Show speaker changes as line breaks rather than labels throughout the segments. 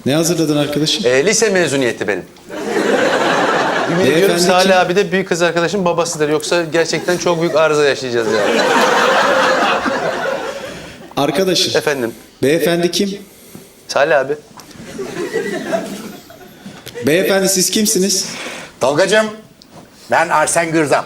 Ne hazırladın arkadaşım?
Lise mezuniyeti benim. Yemin ediyorum Salih abi de büyük kız arkadaşım babasıdır. Yoksa gerçekten çok büyük arıza yaşayacağız yani.
Arkadaşım.
Efendim?
Beyefendi kim?
Salih abi.
Beyefendi siz kimsiniz?
Tolgacığım, ben Arsen Gürzap.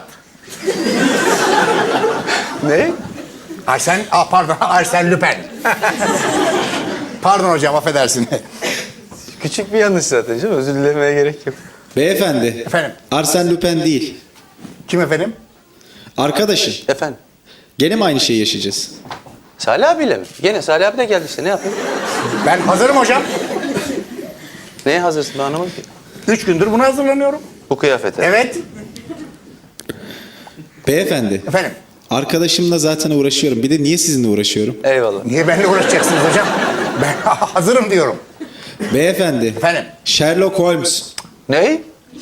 Ne?
Pardon, Arsen Lüpen. Pardon hocam, affedersin.
Küçük bir yanlış zaten canım. Özür dilemeye gerek yok.
Beyefendi.
Efendim?
Arsène Lupin değil.
Kim efendim?
Arkadaşım.
Efendim?
Gene mi aynı şeyi yaşayacağız?
Salih abiyle mi? Gene Salih abi de geldi işte. Ne yapayım?
Ben hazırım hocam.
Neye hazırsın ben anlamadım ki.
3 gündür buna hazırlanıyorum.
Bu kıyafete.
Evet.
Beyefendi.
Efendim?
Arkadaşımla zaten uğraşıyorum. Bir de niye sizinle uğraşıyorum?
Eyvallah.
Niye benimle uğraşacaksınız hocam? Ben hazırım diyorum.
Beyefendi.
Efendim?
Sherlock Holmes.
Ne?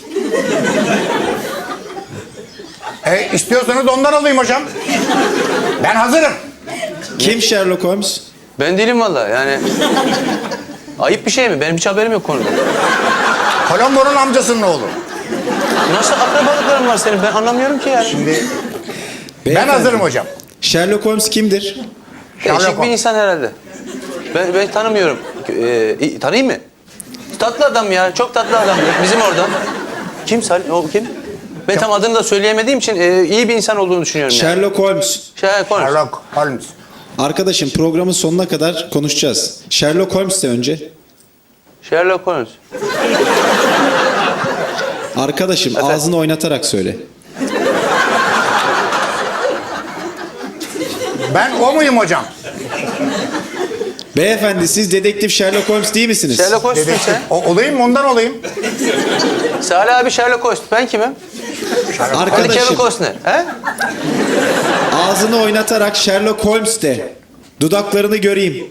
İstiyorsanız ondan alayım hocam. Ben hazırım.
Kim Sherlock Holmes?
Ben değilim vallahi yani. Ayıp bir şey mi? Benim hiç haberim yok konuda.
Colombo'nun amcasının oğlu.
Nasıl akrabalıkların var senin? Ben anlamıyorum ki yani.
Şimdi ben
Beyefendi.
hazırım hocam.
Sherlock Holmes kimdir?
Değişik
Sherlock
bir insan herhalde. Ben tanımıyorum. Tanıyayım mı? Tatlı adam ya. Çok tatlı adam. Bizim orada. Kim Salih? O kim? Ben tam adını da söyleyemediğim için iyi bir insan olduğunu düşünüyorum yani.
Sherlock Holmes.
Konuş.
Sherlock Holmes.
Arkadaşım programın sonuna kadar konuşacağız. Sherlock Holmes de önce.
Sherlock Holmes.
Arkadaşım
Efendim?
ağzını oynatarak söyle.
Ben o muyum hocam?
Beyefendi siz dedektif Sherlock Holmes değil misiniz?
Sherlock Holmes'sun
Dedektif.
sen.
Olayım mı? Ondan olayım.
Salih abi Sherlock Holmes. Ben kimim? Hadi Kevin
Arkadaşım
Costner. He?
ağzını oynatarak Sherlock Holmes de. Dudaklarını göreyim.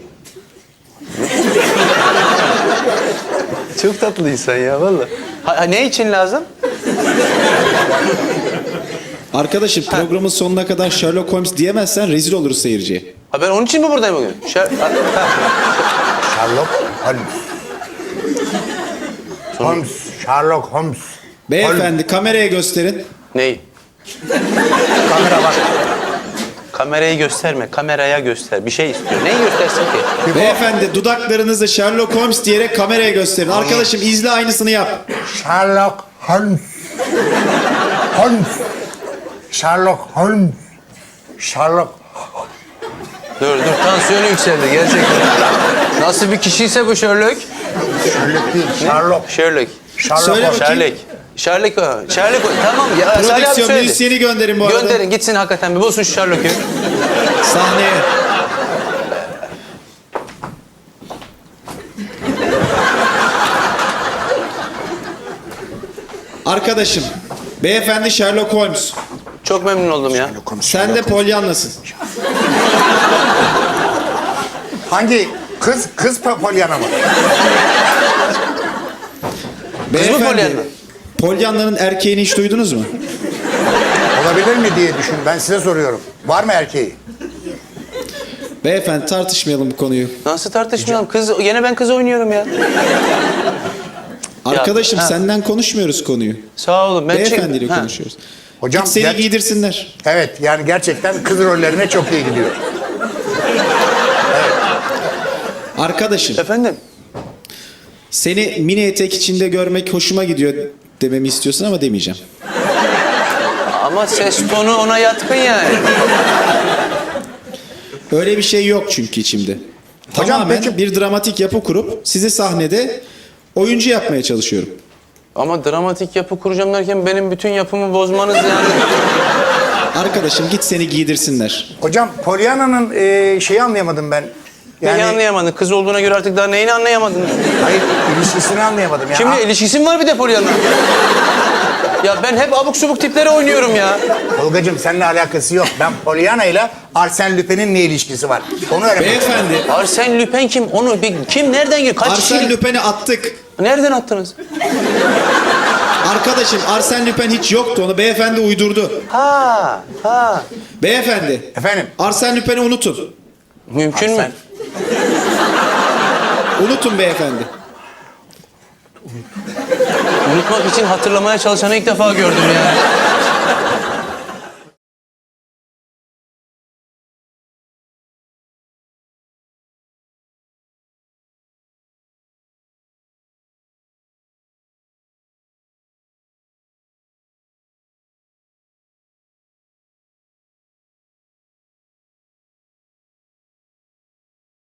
Çok tatlı insan ya valla. Ne için lazım?
Arkadaşım programın sonuna kadar Sherlock Holmes diyemezsen rezil oluruz seyirciye.
Ha ben onun için mi buradayım bugün?
Sherlock Holmes. Holmes. Sherlock Holmes.
Beyefendi kameraya gösterin.
Neyi?
Kamera bak.
Kamerayı gösterme, kameraya göster. Bir şey istiyor. Neyi göstersin ki?
Beyefendi dudaklarınızı Sherlock Holmes diyerek kameraya gösterin. Arkadaşım izle aynısını yap.
Sherlock Holmes. Holmes. Sherlock Holmes. Sherlock.
Dur, tansiyonu yükseldi gerçekten. Nasıl bir kişiyse bu Sherlock?
Sherlock değil. Sherlock.
Sherlock.
Söyle bakayım.
Sherlock. Tamam ya. Salih abi
Prodüksiyon
söyledi.
müzisyeni gönderin bu arada.
Gönderin gitsin hakikaten bir bulsun şu Sherlock'u.
Sahneye. Arkadaşım, beyefendi Sherlock Holmes.
Çok memnun oldum ya.
Sen de Pollyanna'sın.
Hangi? Kız Pollyanna mı?
Beyefendi, Pollyanna'nın erkeğini hiç duydunuz mu?
Olabilir mi diye düşün. Ben size soruyorum. Var mı erkeği?
Beyefendi tartışmayalım bu konuyu.
Nasıl tartışmayalım? Yine ben kız oynuyorum ya.
Arkadaşım
ha.
senden konuşmuyoruz konuyu.
Sağ olun.
Beyefendiyle konuşuyoruz.
Hocam,
Git seni giydirsinler.
Evet, yani gerçekten kız rollerine çok iyi gidiyor.
Arkadaşım,
Efendim?
seni mini etek içinde görmek hoşuma gidiyor dememi istiyorsun ama demeyeceğim.
Ama ses tonu ona yatkın yani.
Öyle bir şey yok çünkü içimde.
Hocam,
Tamamen
peki-
bir dramatik yapı kurup sizi sahnede oyuncu yapmaya çalışıyorum.
Ama dramatik yapı kuracağım derken benim bütün yapımı bozmanız yani.
Arkadaşım git seni giydirsinler.
Hocam, Pollyanna'nın şeyi anlayamadım ben.
Neyi anlayamadın? Kız olduğuna göre artık daha neyini anlayamadın?
Hayır, ilişkisini anlayamadım ya.
Şimdi ilişkisi mi var bir de Pollyanna? Ya ben hep abuk subuk tiplere oynuyorum ya.
Tolgacığım, seninle alakası yok. Ben Pollyanna ile Arsène Lupin'in ne ilişkisi var? Onu öğrenmek.
Beyefendi,
Arsène Lupin kim? Kim nereden giriyor? Kaç
Arsène
kişilik?
Lupin'i attık.
Nereden attınız?
Arkadaşım Arsène Lupin hiç yoktu, onu beyefendi uydurdu.
Ha.
Beyefendi,
Efendim?
Arsène Lupin'i unutun.
Mümkün mü?
Unutun beyefendi.
Unutmak için hatırlamaya çalışanı ilk defa gördüm ya.